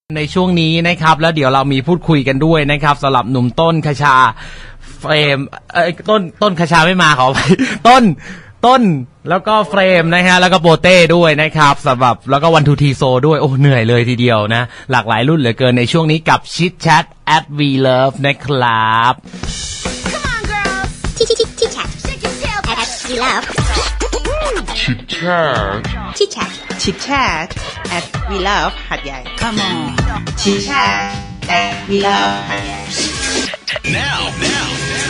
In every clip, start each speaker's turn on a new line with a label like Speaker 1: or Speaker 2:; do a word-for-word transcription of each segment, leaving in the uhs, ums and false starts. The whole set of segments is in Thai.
Speaker 1: ในช่วงนี้นะครับแล้วเดี๋ยวเรามีพูดคุยกันด้วยนะครับสำหรับหนุ่มต้นคชาเฟรมเอ้ยต้นต้นคชาไม่มาขอไปต้นต้นแล้วก็เฟรมนะฮะแล้วก็โปเต้ด้วยนะครับสำหรับแล้วก็วันทูทีโซด้วยโอ้เหนื่อยเลยทีเดียวนะหลากหลายรุ่นเหลือเกินในช่วงนี้กับชิดแชท at we love นะครับ
Speaker 2: Come on girls chit chit chit chat at we love
Speaker 3: Chit chat
Speaker 2: chit chat
Speaker 4: Chit Chat at We Love หัดใหญ่ Come on Chit Chat at We Love หัดใหญ่
Speaker 3: now now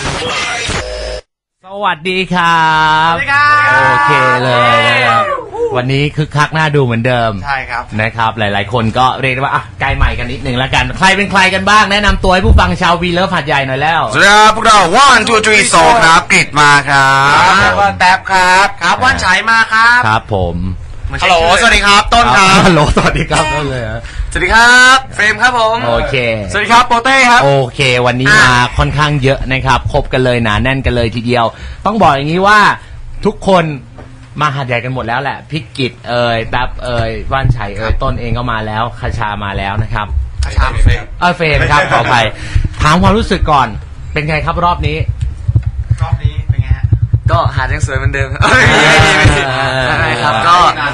Speaker 1: สวัสดีครับสวัสดีครับโอเคเลยนะครับวันนี้คึกคักน่าดูเหมือนเดิม
Speaker 5: ใช่ครับ
Speaker 1: นะครับหลายๆคนก็เรียกได้ว่าอ่ะใกล้ใหม่กันนิดนึงแล้วกันใครเป็นใครกันบ้างแนะนำตัวให้ผู้ฟังชาววีเลิฟหัดใหญ่หน่อยแล้ว
Speaker 5: สวัสดีครับพวกเราว่านทูทรีโซครับกริดมาครับว่านแท็บครับครับว่านฉายมาครับ
Speaker 1: ครับผม
Speaker 5: ฮัลโหลสวัสดีครับต้นครับ
Speaker 1: ฮัลโหลสวัสดีครับต้นเลย
Speaker 5: สวัสดีครับเฟรมครับผม
Speaker 1: โอเค
Speaker 5: สวัสดีครับโปเต้ครับ
Speaker 1: โอเควันนี้มาค่อนข้างเยอะนะครับครบกันเลยหนาแน่นกันเลยทีเดียวต้องบอกอย่างนี้ว่าทุกคนมาหัดใหญ่กันหมดแล้วแหละพิกิจเอ่ยแป๊บเอ่ยว่านชัยเอ่ยต้นเองก็มาแล้วคชามาแล้วนะครับ
Speaker 5: คชาเฟรม
Speaker 1: เออเฟรมครับขออภัยถามความรู้สึกก่อนเป็นไงครับรอบนี้
Speaker 5: รอบนี้เป็นไงฮะ
Speaker 6: ก็หาดยังสวยเหมือนเดิมไม่ไม่ไม่ไม่ครับก็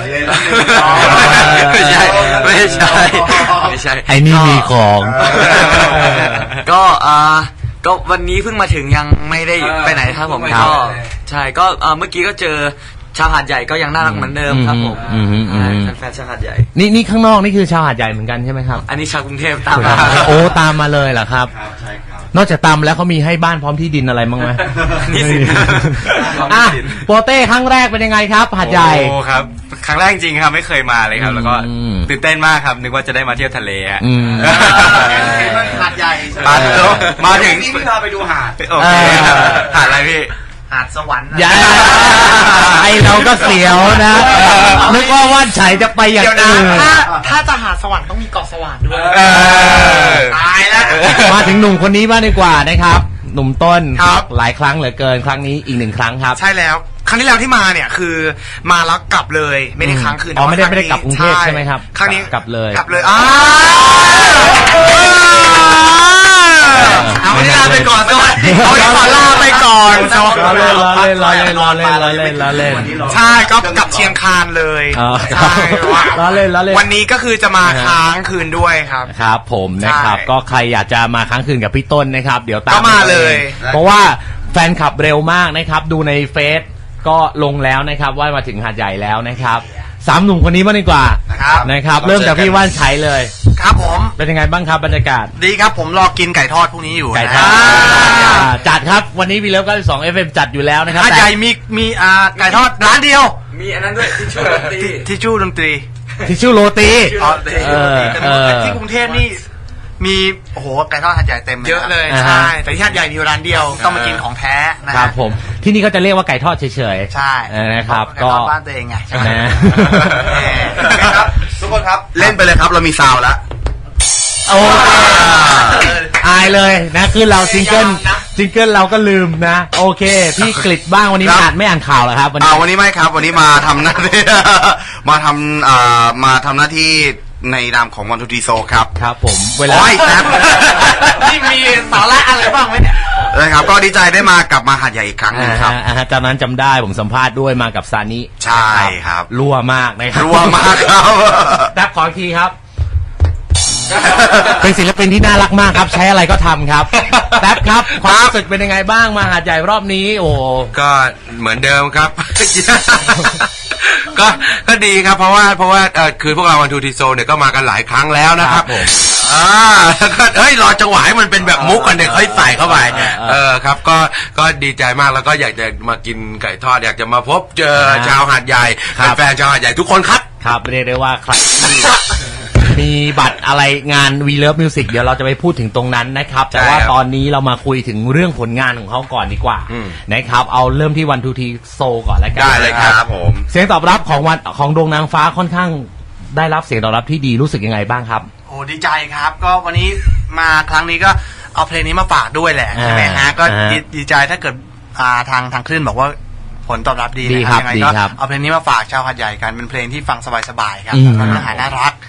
Speaker 6: ไม่ใช่ไม่ใช่ไม่ใช่
Speaker 1: ไอ้นี่มีของ
Speaker 6: ก็อ่าก็วันนี้เพิ่งมาถึงยังไม่ได้ไปไหนครับผมก็ใช่ก็เมื่อกี้ก็เจอชาวหาดใหญ่ก็ยังน่ารักเหมือนเดิมครับผมแฟนชาวหาดใหญ่
Speaker 1: นี่นี่ข้างนอกนี่คือชาวหาดใหญ่เหมือนกันใช่ไหมครับ
Speaker 6: อันนี้ชาวกรุงเทพตามมา
Speaker 1: โอ้ตามมาเลยเหรอครับใช่ครับนอกจากตามแล้วเขามีให้บ้านพร้อมที่ดินอะไรบ้างไหม
Speaker 6: นี่สิ
Speaker 1: อ่ะโปเต้ครั้งแรกเป็นยังไงครับหาดใหญ่
Speaker 5: โอ้ครับครั้งแรกจริงครับไม่เคยมาเลยครับแล้วก็ตื่นเต้นมากครับนึกว่าจะได้มาเที่ยวทะเลฮะหาดใหญ่มาถึงนี่พี่พาไปดูหาดโอเคหาดอะไรพี่หาดสวรรค์
Speaker 1: อย่าไอเราก็เสียวนะนึกว่าว่านชัยจะไปอย่างอื่น
Speaker 4: ถ้าถ้าจะหาดสวรรค์ต้องมีเกาะสวรรค์ด้วย
Speaker 5: ตายแล้ว
Speaker 1: มาถึงหนุ่มคนนี้บ้างดีกว่านะครับหนุ่มต้นหลายครั้งเหลือเกินครั้งนี้อีกหนึ่งครั้งครับ
Speaker 5: ใช่แล้วครั้งที่แล้วที่มาเนี่ยคือมาแล้วกลับเลยไม่ได้ค้างคืน
Speaker 1: อ๋อไม่ได้ไม่ได้กลับกรุงเทพใช่ไหมครับ
Speaker 5: ครั้งนี้
Speaker 1: กลับเลย
Speaker 5: กลับเลยอ้าเอาเวลาไปก่อนสวัสดีเอาเวลาลาไปก่อน
Speaker 1: รอเล่นรอเล่นรอเล่นรอเล่นรอเล่นรอเล่น
Speaker 5: ใช่ก็กลับเชียงคานเลย
Speaker 1: ใช่รอเล่นรอเล่น
Speaker 5: วันนี้ก็คือจะมาค้างคืนด้วยครับ
Speaker 1: ครับผมนะครับก็ใครอยากจะมาค้างคืนกับพี่ต้นนะครับเดี๋ยวตาม
Speaker 5: มาเลย
Speaker 1: เพราะว่าแฟนคลับเร็วมากนะครับดูในเฟซก็ลงแล้วนะครับว่ามาถึงหาดใหญ่แล้วนะครับสามหนุ่มคนนี้มาดีกว่านะครับเริ่มจากพี่ว่านชัยเลย
Speaker 5: ครับผม
Speaker 1: เป็นยังไงบ้างครับบรรยากาศ
Speaker 5: ดีครับผมรอกินไก่ทอดพวกนี้อยู่
Speaker 1: ไก่ทอดจัดครับวันนี้วีเลิฟเก้าสิบสอง เอฟ เอ็ม จัดอยู่แล้วนะครับ
Speaker 5: หาดใหญ่มีมีอ่าไก่ทอดร้านเดียว
Speaker 6: มีอันนั้นด้วยทิชชู่ดนตรี
Speaker 5: ทิชชู่ดนตรี
Speaker 1: ทิชชู่โรตี
Speaker 5: เออที่กรุงเทพนี่มีโอ้โหไก่ทอดหาดใหญ่เต็มเยอะเลยใช่แต่ที่หาดใหญ่มีร้านเดียวต้องมากินของแท้
Speaker 1: นะครับผมที่นี่ก็จะเรียกว่าไก่ทอดเฉย
Speaker 5: ๆใช่
Speaker 1: นะครับ
Speaker 5: ก็บ้านตัวเองไงใช่ไหมครับทุกคนครับเล่นไปเลยครับเรามีซาวแล้ว
Speaker 1: โอ้อายเลยนะคือเราซิงเกิลซิงเกิลเราก็ลืมนะโอเคพี่กฤษบ้างวันนี้อ่านไม่อ่านข่าวเหรอครับ
Speaker 5: วันนี้วันนี้ไม่ครับวันนี้มาทำหน้าที่มาทำอ่ามาทำหน้าที่ในนามของวันทูทีโซครับ
Speaker 1: ครับผมเวลา
Speaker 5: ครับ
Speaker 4: นี่มีสาระอะไรบ้างไหมเนี่ย
Speaker 5: นะครับก็ดีใจได้มากลับมาหาดใหญ่อีกครั้งนึงครับ
Speaker 1: จากนั้นจำได้ผมสัมภาษณ์ด้วยมากับซานิ
Speaker 5: ใช่ครับ
Speaker 1: รั่วมากนะครับ
Speaker 5: รั่วมากครับ
Speaker 1: แป๊บขออีกทีครับเป็นศิลปินที่น่ารักมากครับใช้อะไรก็ทำครับแป๊บครับความรู้สึกเป็นยังไงบ้างมาหาดใหญ่รอบนี้โอ้
Speaker 5: ก็เหมือนเดิมครับก็ก็ดีครับเพราะว่าเพราะว่าเออคือพวกเราวันทูทีโซเนี่ยก็มากันหลายครั้งแล้วนะครับอ่าก็เฮ้ยรอจังหวะให้มันเป็นแบบมุกกันเด็กค่อยใส่เข้าไปเออครับก็ก็ดีใจมากแล้วก็อยากจะมากินไก่ทอดอยากจะมาพบเจอชาวหาดใหญ่แฟนชาวหาดใหญ่ทุกคนครับ
Speaker 1: ครับเรียกได้ว่าใครมีบัตรอะไรงาน We Love Music เดี๋ยวเราจะไปพูดถึงตรงนั้นนะครับแต่ว่าตอนนี้เรามาคุยถึงเรื่องผลงานของเขาก่อนดีกว่านะครับเอาเริ่มที่วันทูทีโซก่อนแล้วกัน
Speaker 5: ได้เลยครับผม
Speaker 1: เสียงตอบรับของวันของดวงนางฟ้าค่อนข้างได้รับเสียงตอบรับที่ดีรู้สึกยังไงบ้างครับ
Speaker 5: โอ้ดีใจครับก็วันนี้มาครั้งนี้ก็เอาเพลงนี้มาฝากด้วยแหละใช่ไหมฮะก็ดีใจถ้าเกิดทางทางคลื่นบอกว่าผลตอบรับดีนะครับยังไงก็เอาเพลงนี้มาฝากชาวหาดใหญ่กันเป็นเพลงที่ฟังสบายๆครับเนื้อหาน่ารัก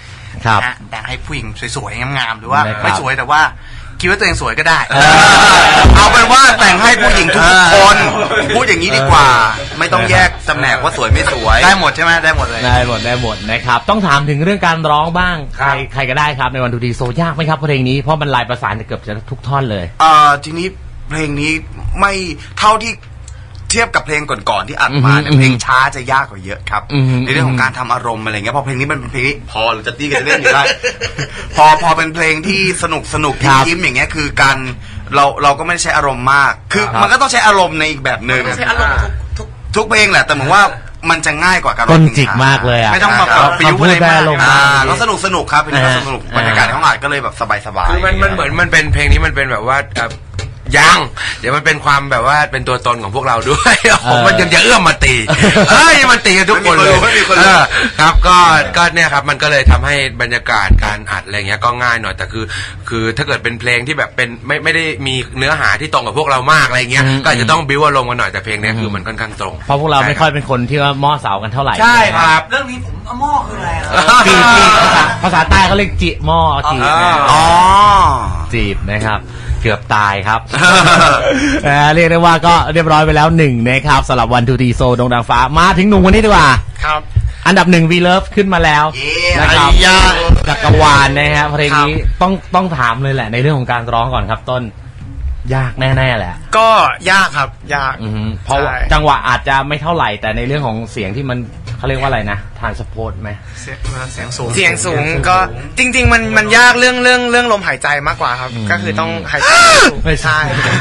Speaker 1: ครับ
Speaker 7: นะแต่งให้ผู้หญิงสวยๆงามๆหรือว่า
Speaker 1: นะครับ
Speaker 7: ไม่สวยแต่ว่าคิดว่าตัวเองสวยก็ได้
Speaker 1: เออ
Speaker 7: เอาเป็นว่าแต่งให้ผู้หญิงทุกคนพูดอย่างนี้ดีกว่า ไม่ต้องแยกตำแหน่งว่าสวยไม่สวยได้หมดใช่ไหมได้หมดเลย
Speaker 1: ได้หมดได้หมดนะครับต้องถามถึงเรื่องการร้องบ้าง
Speaker 7: ค
Speaker 1: ใค
Speaker 7: รั
Speaker 1: ร
Speaker 7: บ
Speaker 1: ใครก็ได้ครับในวันทูดีโซยากไหมครับเพลงนี้เพราะมันลายประสานเกือบจะทุกท่อนเลย
Speaker 7: เอ่อทีนี้เพลงนี้ไม่เท่าที่เทียบกับเพลงก่อนๆที่อัดมาเนี่ย
Speaker 1: อืม
Speaker 7: เพลงช้าจะยากกว่าเยอะครับ
Speaker 1: อืม
Speaker 7: ในเรื่องของการทำอารมณ์อะไรเงี้ยพอเพลงนี้มันเป็นเพลงที่พอเราจะตีกันจะเล่นอยู่ได้ พอพอเป็นเพลงที่สนุกสนุก
Speaker 1: ครับ
Speaker 7: ยิ้มๆอย่างเงี้ยคือการเราเราก็ไม่ได้ใช้อารมณ์มาก คือ
Speaker 1: ครับ
Speaker 7: มันก็ต้องใช้อารมณ์ในอีกแบบหนึ่งใช้อารมณ์ทุกทุกเพลงแหละแต่เหมือนว่ามันจะง่ายกว่าการร้
Speaker 1: ต้
Speaker 7: อง
Speaker 1: น
Speaker 7: เพลง
Speaker 1: จิก
Speaker 7: ช้
Speaker 1: มากเลยอ่ะ
Speaker 7: ไม่ต้องมา
Speaker 1: ค
Speaker 7: แบ
Speaker 1: รับบ
Speaker 7: ปิ้วอะไร
Speaker 1: คำพูดได้
Speaker 7: มาก
Speaker 1: อารมณ์
Speaker 7: อ่า
Speaker 1: ดี
Speaker 7: ก็สนุกสนุกครับเป็นเพลง
Speaker 1: อ่า
Speaker 7: สนุก
Speaker 1: อ่า
Speaker 7: บรรยากาศในห้องอัดก็เลยแบบสบายๆ
Speaker 5: คือมันมันเหมือนมันเป็นเพลงนี้มันเป็นแบบว่าเอ่อยังเดี๋ยวมันเป็นความแบบว่าเป็นตัวตนของพวกเราด้วยผมมันยังจะเอื้อมมาตีเฮ้ยมันตีกันทุกคนเลย
Speaker 7: ไม่มีคนรู้
Speaker 5: เออครับก็ก็เนี่ยครับมันก็เลยทำให้บรรยากาศการอัดอะไรเงี้ยก็ง่ายหน่อยแต่คือ คือถ้าเกิดเป็นเพลงที่แบบเป็นไม่ไม่ได้มีเนื้อหาที่ตรงกับพวกเรามากอะไรเงี้ย
Speaker 1: อืม
Speaker 5: ก็อาจจะต้องบิ้วอารมณ์กันหน่อยแต่เพลงเนี้ยคือมันค่อนข้างตรง
Speaker 1: เพราะพวกเราไม่ค่อยเป็นคนที่ว่าหม้อเสากันเท่าไหร่
Speaker 5: ใช่ครับ
Speaker 7: เรื่องนี้ผมเอาหม้อคืออะไร
Speaker 1: จีบจีบภาษาภาษาใต้เขาเรียกจิหม้อจีบนะ
Speaker 7: อ๋อ
Speaker 1: จีบนะครับเกือบตายครับ เอ่อเรียกได้ว่าก็เรียบร้อยไปแล้วหนึ่งนะครับสำหรับวันทูดีโซดงดังฟ้ามาถึงหนุ่มคนนี้ดีกว่า
Speaker 7: ครับ
Speaker 1: อันดับหนึ่งวีเลิฟขึ้นมาแล้ว
Speaker 7: เย้
Speaker 1: นะครับ
Speaker 7: ไอ้ยา
Speaker 1: จักรวาลนะฮะเพลงนี้ต้องต้องถามเลยแหละในเรื่องของการร้องก่อนครับต้นยากแน่ๆแหละ
Speaker 8: ก็ยากครับยาก
Speaker 1: อือฮึเพราะว่า
Speaker 8: ใช่
Speaker 1: จังหวะอาจจะไม่เท่าไหร่แต่ในเรื่องของเสียงที่มันเขาเรียกว่าอะไรนะทานสปอร์ตไหม
Speaker 7: เสียงเสียงสูง
Speaker 8: เสียงสูงก็จริง ๆ มันมันยากเรื่องเรื่องเรื่องลมหายใจมากกว่าครับ
Speaker 1: อืม
Speaker 8: ก็คือต้องหายใจสูง
Speaker 1: ไม่ใช่
Speaker 8: ใช่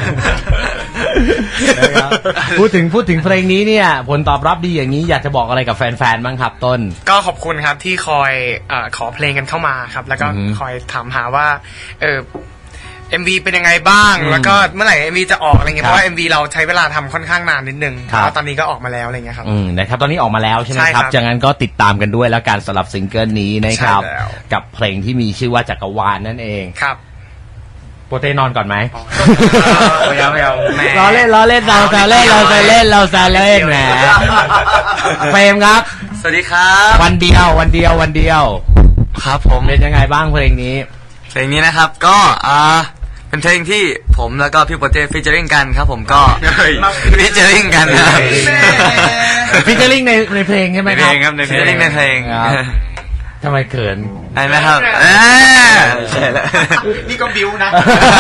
Speaker 1: นะครับพูดถึงพูดถึงเพลงนี้เนี่ยผลตอบรับดีอย่างนี้อยากจะบอกอะไรกับแฟนๆบ้างครับต้น
Speaker 8: ก็ขอบคุณครับที่คอยเอ่อขอเพลงกันเข้ามาครับ แล้วก็
Speaker 1: อือฮึ
Speaker 8: คอยถามหาว่าเออ เอ็ม วี เป็นยังไงบ้าง
Speaker 1: อืม
Speaker 8: แล้วก็เมื่อไหร่ เอ็ม วี จะออกอะไรเงี้ย
Speaker 1: ครับ
Speaker 8: เพราะว่า เอ็ม วี เราใช้เวลาทำค่อนข้างนานนิดนึง
Speaker 1: ครับ
Speaker 8: แล้วตอนนี้ก็ออกมาแล้วอะไรเงี้ยครับ
Speaker 1: อืมนะครับตอนนี้ออกมาแล้วใช่ไหม
Speaker 8: ใช่
Speaker 1: ค
Speaker 8: ครั
Speaker 1: รับบ จากนั้นก็ติดตามกันด้วยแล้วการสลับซิงเกิลนี้นะครับ
Speaker 8: ใช่แล้ว
Speaker 1: กับเพลงที่มีชื่อว่าจักรวาลนั่นเอง
Speaker 8: ครับ
Speaker 1: โปรเตนอนก่อนไหม
Speaker 7: ไม่เอาไม่เอาแหม
Speaker 1: ล้อเล่นล้อเล่นเราแซวเล่นเราแซวเล่นเราแซวเล่นแหมเฟรมครับ
Speaker 6: สวัสดีครับ
Speaker 1: วันเดียววันเดียววันเดียว
Speaker 6: ครับผม
Speaker 1: เป็นยังไงบ้างเพลงนี้
Speaker 6: เพลงนี้นะครับก็อ่าเป็นเพลงที่ผมแล้วก็พี่โปเต้ฟิชเจอริงกันครับผมก็ฟิชเจอริงกันนะครับ
Speaker 1: ฟิชเจอริงในในเพลงใช่ไหม
Speaker 6: ใน
Speaker 1: ค
Speaker 6: เพล
Speaker 1: รับ
Speaker 6: งครับในเพลงในเพลง
Speaker 1: ครับทำไมเขิน
Speaker 6: ได้ไหมครับอ่าใช่แล้ว
Speaker 7: นี่ก็บิ้วนะ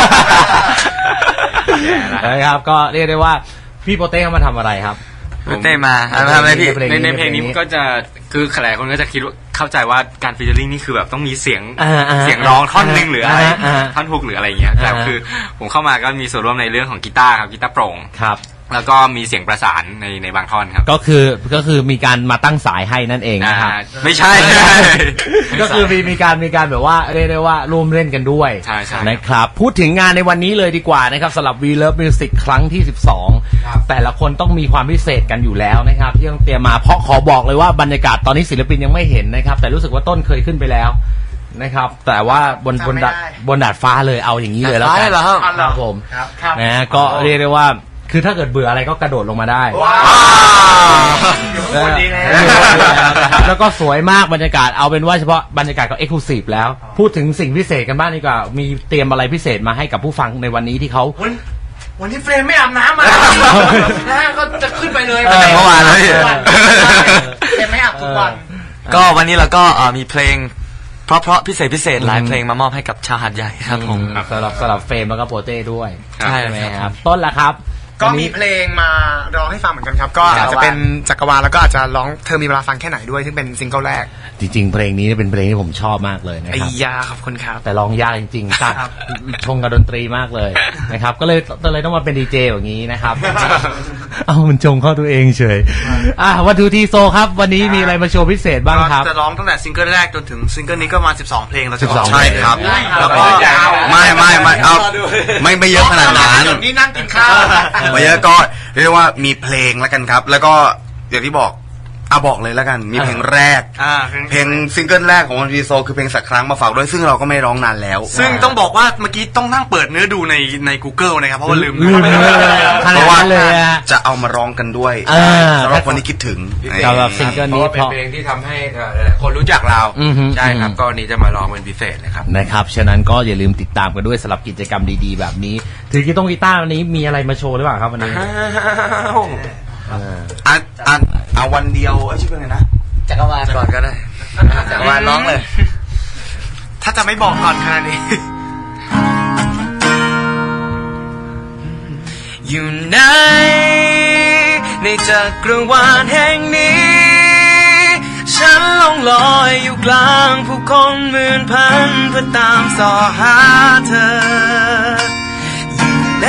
Speaker 1: นะครับก็เรียกได้ว่าพี่โปเต้เขามาทำอะไรครับ
Speaker 6: โปเต้มาอ่ามาทำอะไรพี่
Speaker 1: ใน
Speaker 9: ในในเพลงนี้มันก็จะคือหลายคนก็จะคิดว่าเข้าใจว่าการฟีเจอริ่งนี่คือแบบต้องมีเสียง
Speaker 1: อ่าอ่า
Speaker 9: เสียงร้องท่อนหนึ่งหรืออะไร
Speaker 1: อ่าอ่า
Speaker 9: ท่อนฮุกหรืออะไรอย่างเงี้ยแต่
Speaker 1: อ่า
Speaker 9: คือผมเข้ามาก็มีส่วนร่วมในเรื่องของกีตาร์ครับกีตาร์โปร่ง
Speaker 1: ครับ
Speaker 9: แล้วก็มีเสียงประสานในในบางท่อนครับ
Speaker 1: ก็คือก็คือมีการมาตั้งสายให้นั่นเองนะครับ
Speaker 9: อ่าไม่ใช่
Speaker 1: ก็คือมีมีการมีการแบบว่าเรียกได้ว่าร่วมเล่นกันด้วย
Speaker 9: ใช่ใช่
Speaker 1: นะครับพูดถึงงานในวันนี้เลยดีกว่านะครับสำหรับ We Love Music ครั้งที่สิบสองแต่ละคนต้องมีความพิเศษกันอยู่แล้วนะครับที่ต้องเตรียมมาเพราะขอบอกเลยว่าบรรยากาศตอนนี้ศิลปินยังไม่เห็นนะครับแต่รู้สึกว่าต้นเคยขึ้นไปแล้วนะครับแต่ว่าบนบนดาดบนดาดฟ้าเลยเอาอย่างนี้เลยแล้วกัน
Speaker 6: ดาดฟ้าเลยเหรอครับ
Speaker 1: ครับผม
Speaker 7: ครับครับ
Speaker 1: นะฮะก็เรียกได้ว่าคือถ้าเกิดเบื่ออะไรก็กระโดดลงมาได้
Speaker 7: ว้าว
Speaker 1: คนดีแล้วแล้วก็สวยมากบรรยากาศเอาเป็นว่าเฉพาะบรรยากาศก็เอ็กซ์คลูซีฟแล้ว พูดถึงสิ่งพิเศษกันบ้างดีกว่ามีเตรียมอะไรพิเศษมาให้กับผู้ฟังในวันนี้ที่เขา
Speaker 7: วันวันที่เฟรมไม่อาบน้ำมานะก็จะขึ้นไปเลย
Speaker 6: ตั้งแต่เมื่อวานแล้วพี่
Speaker 7: เฟรมไม่อาบทุกวัน
Speaker 6: ก็วันนี้เราก็เอ่อมีเพลงเพราะเพราะพิเศษพิเศษหลายเพลงมามอบให้กับชาวหาดใหญ่ครับผม
Speaker 1: สำหรับสำหรับเฟรมแล้วก็โปเต้ด้วย
Speaker 6: ใช่
Speaker 1: ใช่ไหมครับต้นละครับ
Speaker 8: ก็
Speaker 1: วัน
Speaker 8: มี
Speaker 1: นี้
Speaker 8: เพลงมาร้องให้ฟังเหมือนกันครับ ก็
Speaker 1: จักรวาล
Speaker 8: อาจจะเป็นจักรวาลแล้วก็อาจจะร้องเธอมีเวลาฟังแค่ไหนด้วยซึ่งเป็นซิงเกิลแรก
Speaker 1: จริงๆเพลงนี้เป็นเพลงที่ผมชอบมากเลยนะ
Speaker 8: ไอ้
Speaker 1: ครับ
Speaker 8: ยาขอบคุณครับ
Speaker 1: แต่ร้องยากจริงๆตัดชงกับดนตรีมากเลยนะครับก็เลยก็เลยต้องมาเป็นดีเจอย่างนี้นะครับ เอามันชงเข้าตัวเองเฉยอ่ะวัตถุทีโซครับวันนี้มีอะไรมาโชว์พิเศษบ้างครับ
Speaker 7: จะร้องตั้งแต่ซิงเกิลแรกจนถึงซิงเกิลนี้ก็มาสิบสองเพลงเราจะ
Speaker 1: สิบสอง
Speaker 7: ใช่ครับ
Speaker 1: เพลง
Speaker 7: แล้วก็ไม่ไม่ไม่เอาไม่ไม่เยอะขนาดนั้น
Speaker 8: นี่นั่งกินข้าว
Speaker 7: ไม่เยอะก็เรียกว่ามีเพลงแล้วกันครับ แล้วก็อย่างที่บอกเอาบอกเลยแล้วกันมีเพลงแรก
Speaker 8: อ่า
Speaker 7: เพลงซิงเกิลแรกของวันพีโซคือเพลงสักครั้งมาฝากด้วยซึ่งเราก็ไม่ร้องนานแล้ว
Speaker 8: ซึ่งต้องบอกว่าเมื่อกี้ต้องนั่งเปิดเนื้อดูในใน Google นะครับเพราะว่าลืม
Speaker 1: ลืมไปเลย
Speaker 7: เพราะว่า
Speaker 1: เลยอะ
Speaker 7: จะเอามาร้องกันด้วย
Speaker 1: เออ
Speaker 7: สำหรับคนที่คิดถึง
Speaker 1: สำหรับซิงเกิล
Speaker 5: เพราะ
Speaker 1: นี้
Speaker 5: ว่า
Speaker 1: เพ
Speaker 5: เป็น
Speaker 1: ราะ
Speaker 5: เพลงที่ทำให้เอ่อหลายๆคนรู้จักเรา
Speaker 1: อือฮึ
Speaker 5: ใช่ครับ
Speaker 1: อืม
Speaker 5: ก็วันนี้จะมาร้องเป็นพิเศษนะครับ
Speaker 1: นะครับฉะนั้นก็อย่าลืมติดตามกันด้วยสำหรับกิจกรรมดีๆแบบนี้ถือกีตงกีตาร์วันนี้มีอะไรมาโชว์หรือเปล่าครับวันนี้
Speaker 7: อ่ะอ่ะเอาวันเดียวเอ้ยชื่อเพลงอะไรนะ
Speaker 6: จักรวาลก่อนก็ได้จักรวาลร้องเลย
Speaker 8: ถ้าจะไม่บอกก่อนขนาดนี้ อยู่ไหนในจักรวาลแห่งนี้ฉันล่องลอยอยู่กลางผู้คนหมื่นพันเพื่อตามส่อหาเธออยู่ไหน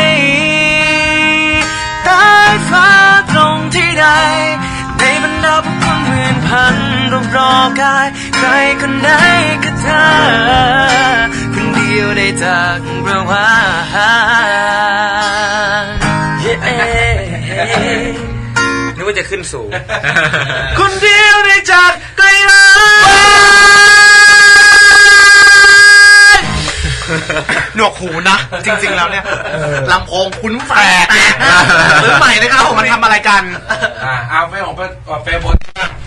Speaker 8: ใต้ฟ้าตรงที่ใดในบรรดาผู้คนหมื่นพันรอบรอกายใครคนไหนก็เธอคนเดียวในจักรวาล
Speaker 6: นึกว่าจะขึ้นสูง
Speaker 8: คนเดียวในจักรวาลหนวกหูนะ จริงๆแล้วเนี่ยลำโพงคุ้นแฝกหรือใหม่นะครับผมมันทำอะไรกัน
Speaker 5: อ่าเอาไปของเฟรบน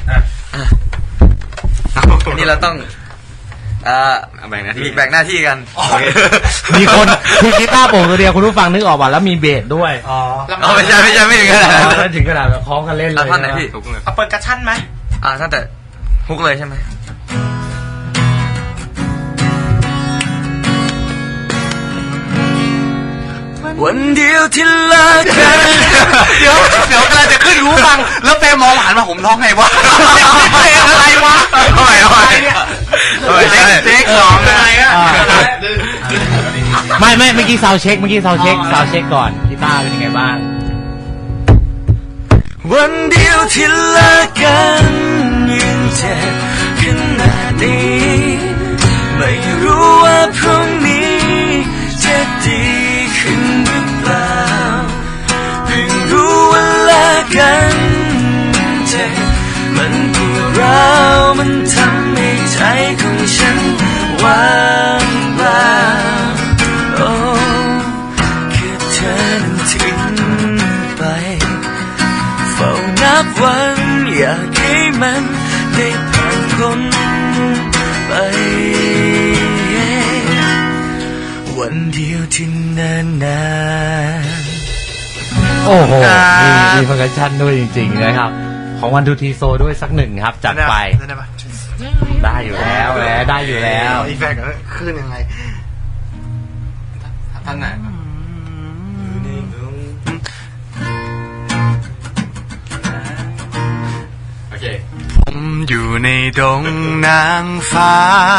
Speaker 6: นี่เราต้องอ่าแบ่งหน้าที่แบ่งหน้าที่กัน
Speaker 1: มีคนคือกีตาร์โปร่งตัวเดียวคุณผู้ฟังนึกออกป่ะแล้วมีเบสด้วย
Speaker 8: อ๋อ
Speaker 6: เอาไม่ใช่ไม่ใช่ไม่ถึงขนาดนั้น
Speaker 1: ไม่ถึงขนาดแบบคล้องกันเล่นเลย
Speaker 6: เอาท่อนไหนพี่
Speaker 8: เอาเปิดกระชั้นไหม
Speaker 6: อ่าตั้งแต่ฮุกเลยใช่ไหม
Speaker 8: วันเดียวที่เลิกกันเดี๋ยวเดี๋ยวกำลังจะขึ้นหูฟังแล้วเปมองหันมาผมร้องไงวะเพลงอะไรวะ
Speaker 7: โอ้ยโอ้ย
Speaker 8: เนี่ย
Speaker 7: โอ้ย
Speaker 8: เทคสองอะไรอะ
Speaker 1: ไม่ไม่เมื่อกี้ซาวเช็คเมื่อกี้ซาวเช็คซาวเช็คก่อนกีตาร์เป็นยังไงบ้าง
Speaker 8: วันเดียวที่เลิกกันยังเจ็บขนาดนี้ไม่รู้ว่าพรุ่งนี้จะดีขึ้นหรือเปล่าเพิ่งรู้ว่าเลิกกันเจ็บมันปวดร้าวมันทำให้ใจของฉันว่างเปล่าโอ้แค่เธอนั้นทิ้งไปเฝ้านับวันอยากให้มันได้ผ่านพ้นไปวันเดียวที่นานนาน
Speaker 1: โอ้โหมีมีฟังก์ชันด้วยจริงๆนะครับของวันทูทีโซด้วยสักหนึ่งครับจัดไปได้อยู่แล้วแหละได้อยู่แล้ว
Speaker 8: อีแฟกต์ขึ้นยังไงท่านไหนโอเคผมอยู่ในดงนางฟ้า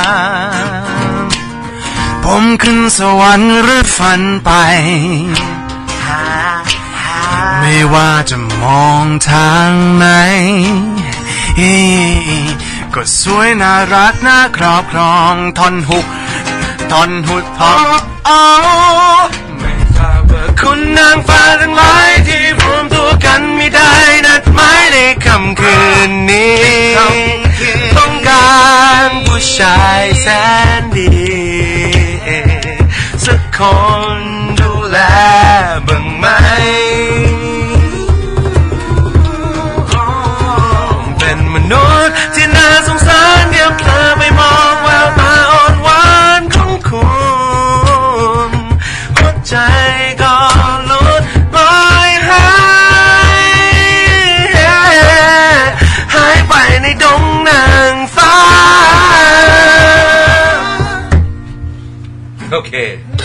Speaker 8: ผมขึ้นสวรรค์หรือฝันไปไม่ว่าจะมองทางไหนก็สวยน่ารักน่าครอบครองท่อนหุกท่อนหุดท่อนอ๋อไม่ทราบว่าคุณนางฟ้าทั้งหลายที่รวมตัวกันไม่ได้นัดหมายในค่ำคืนนี้ต้องการผู้ชายแสนดีสักคนดูแลบ้างไหมเป็นมนุษย์ที่น่าสงสารเดี๋ยวเธอไปมองแววตาอ่อนหวานของคุณหัวใจก็หลุดลอยหายหายไปในดงนางฟ้า
Speaker 5: โอเค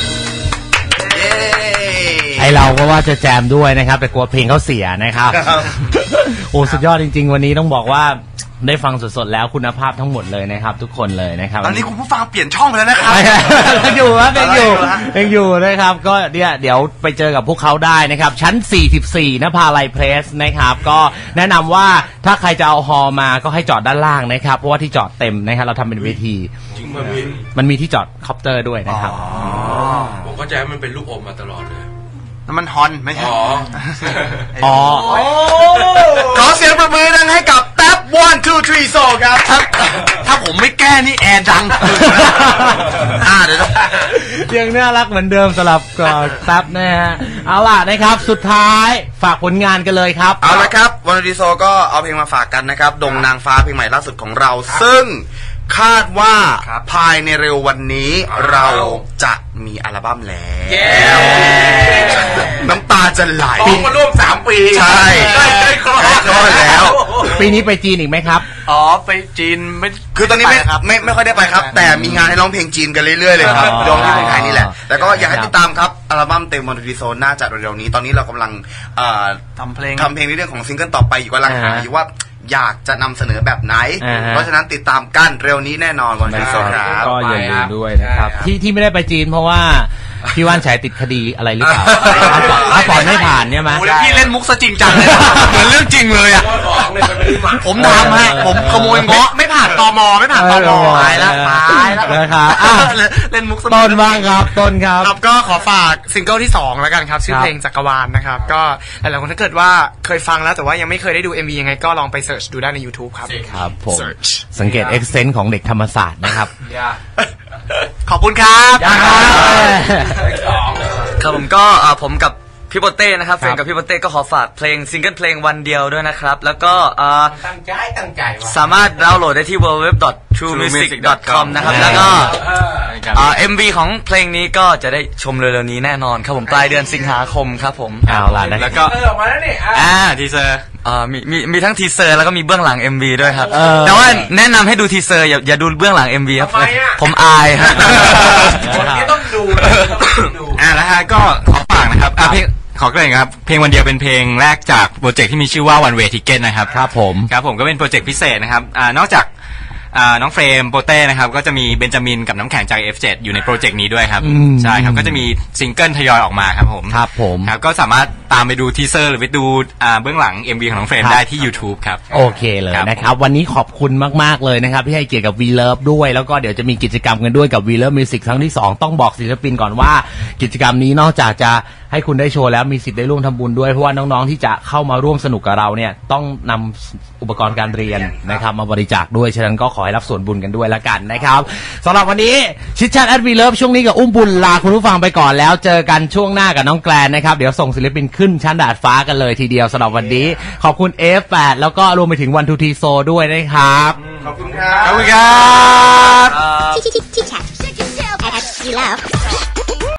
Speaker 1: ไอเราก็ว่าจะแจมด้วยนะครับแต่กลัวเพลงเขาเสียนะครับโอ้สุดยอดจริงๆวันนี้ต้องบอกว่าได้ฟังสดๆแล้วคุณภาพทั้งหมดเลยนะครับทุกคนเลยนะครับ
Speaker 8: ตอนนี้คุณผู้ฟังเปลี่ยนช่องไปแล้วนะครับ
Speaker 1: ยังอยู่ครับยังอยู่ยังอยู่นะครับก็เนี่ยเดี๋ยวไปเจอกับพวกเขาได้นะครับชั้นสี่สิบสี่นภาลัยเพรสนะครับก็แนะนำว่าถ้าใครจะเอาฮอลมาก็ให้จอดด้านล่างนะครับเพราะว่าที่จอดเต็มนะครับเราทำเป็นเวที
Speaker 5: มันมี
Speaker 1: มันมีที่จอดคอปเตอร์ด้วยนะครับ
Speaker 5: ผมเข้าใจว่ามันเป็นลูกอมมาตลอดเลย
Speaker 7: น้ำมันฮอนไม่ใช่
Speaker 1: อ๋อ
Speaker 7: ขอเสียงประมือดังให้กับแท็บ one two three so ครับถ้าถ้าผมไม่แก้นี่แอร์ดังอ่าเดี๋ยว
Speaker 1: ยังน่ารักเหมือนเดิมสำหรับแท็บนะฮะเอาล่ะนะครับสุดท้ายฝากผลงานกันเลยครับ
Speaker 7: เอาละครับวันดีโซก็เอาเพลงมาฝากกันนะครับดงนางฟ้าเพลงใหม่ล่าสุดของเราซึ่งคาดว่าภายในเร็ววันนี้เราจะมีอัลบั้มแล้วน้ำตาจะไหล
Speaker 5: มาร่วมสามปี
Speaker 7: ใช่
Speaker 5: ได้ครบ
Speaker 7: แล้ว
Speaker 1: ปีนี้ไปจีนอีกไหมครับ
Speaker 9: อ๋อไปจีนไม่
Speaker 7: คือตอนนี้ไม่ไม่ไม่ค่อยได้ไปครับแต่มีงานให้ร้องเพลงจีนกันเรื่อยๆเลยครับร้องที่เมืองไทยนี่แหละแต่ก็อยากให้ติดตามครับอัลบั้มเต็มวันดีโซน่าจะเร็วๆนี้ตอนนี้เรากำลัง
Speaker 9: ทำเพลง
Speaker 7: ทำเพลงในเรื่องของซิงเกิลต่อไปอยู่กำลังหาอยู่ว่าอยากจะนำเสนอแบบไหนเพราะฉะนั้นติดตามกันเร็วนี้แน่นอนวันดีโซครับ
Speaker 1: ก็อย่าลืมด้วยนะครับที่ที่ไม่ได้ไปจีนเพราะว่าพี่ว่านฉายติดคดีอะไรหรือเปล่าถ้าปล่อยไม่ผ่านเนี่ยมั้ย
Speaker 7: พี่เล่นมุกซะจริงจังเลยเหมือนเรื่องจริงเลยอ่ะผมทำฮะผมขโมยเงาะไม่ผ่านตมไม่ผ่านตมตายแล้วตายแล้ว
Speaker 1: นะครับ
Speaker 7: เล่นมุก
Speaker 1: ต้นบ้างครับต้นครับ
Speaker 10: ครับก็ขอฝากซิงเกิลที่สองแล้วกันครับชื่อเพลงจักรวาลนะครับก็หลายๆคนถ้าเกิดว่าเคยฟังแล้วแต่ว่ายังไม่เคยได้ดู เอ็ม วี ยังไงก็ลองไปเสิร์ชดูได้ใน YouTube ครับ
Speaker 1: ครับผมสังเกตเอ็กเซนต์ของเด็กธรรมศาสตร์นะครับ
Speaker 10: ขอบคุณครับ
Speaker 6: ครับผมก็ผมกับพี่โปเต้นะครับเฟรนกับพี่โปเต้ก็ขอฝากเพลงซิงเกิลเพลงวันเดียวด้วยนะครับแล้วก็
Speaker 5: ตั้งใจตั้งใจ
Speaker 6: สามารถดาวน์โหลดได้ที่ ดับเบิลยู ดับเบิลยู ดับเบิลยู ดอท ทรูมิวสิก ดอท คอม นะครับแล้วก็เอ็ม วี ของเพลงนี้ก็จะได้ชมเร็วๆนี้แน่นอนครับผมปลายเดือนสิงหาคมครับผม
Speaker 1: เอาล่ะ
Speaker 6: แล้วก็
Speaker 5: เออออกมาแล้วนี่
Speaker 6: อ่าทีเซอร์อ่ามีมีมีทั้งทีเซอร์แล้วก็มีเบื้องหลัง เอ็ม วี ด้วยครับแต่ว่าแนะนำให้ดูทีเซอร์อย่าอย่าดูเบื้องหลัง เอ็ม วี ครับผมอายครับ
Speaker 5: คนนี้ต้องดู
Speaker 9: อ่าแล้วฮะก็ขอฝากนะครับอ่าเพลงขอเกริ่นครับเพลงวันเดียวเป็นเพลงแรกจากโปรเจกต์ที่มีชื่อว่า One Way Ticket นะครับ
Speaker 1: ครับผม
Speaker 9: ครับผมก็เป็นโปรเจกต์พิเศษนะครับอ่านอกจากอ่าน้องเฟรมโปเต้นะครับก็จะมีเบนจามินกับน้ำแข็งจาก เอฟ เจ็ด อยู่ในโปรเจกต์นี้ด้วยครับใช่ครับก็จะมีซิงเกิลทยอยออกมาครับผม
Speaker 1: ครับผม
Speaker 9: ครับก็สามารถตามไปดูทีเซอร์หรือไปดูอ่าเบื้องหลัง เอ็ม วี ของน้องเฟรมได้ที่ YouTube ครับ
Speaker 1: โอเคเลยนะครับวันนี้ขอบคุณมากๆเลยนะครับที่ให้เกียรติกับ We Love ด้วยแล้วก็เดี๋ยวจะมีกิจกรรมกันด้วยกับ We Love Music ครั้งที่สองต้องบอกศิลปินก่อนว่ากิจกรรมนี้นอกจากจะให้คุณได้โชว์แล้วมีสิทธิ์ได้ร่วมทำบุญด้วยเพราะว่าน้องๆที่จะเข้ามาร่วมสนุกกับเราเนี่ยต้องนำอุปกรณ์การเรียนนะครับมาบริจาคด้วยฉะนั้นก็ขอให้รับส่วนบุญกันด้วยละกันนะครับสำหรับวันนี้ชิดชัดแอดวีเลิฟช่วงนี้กับอุ้มบุญลาคุณผู้ฟังไปก่อนแล้วเจอกันช่วงหน้ากับน้องแกลนนะครับเดี๋ยวส่งศิลปินขึ้นชั้นดาดฟ้ากันเลยทีเดียวสำหรับวันนี้ขอบคุณ เอฟ แปด แล้วก็รวมไปถึงวันทูทีโซด้วยนะครับ
Speaker 5: ขอบคุณครับ
Speaker 9: ขอบคุณครับ
Speaker 2: Chit chat at We Love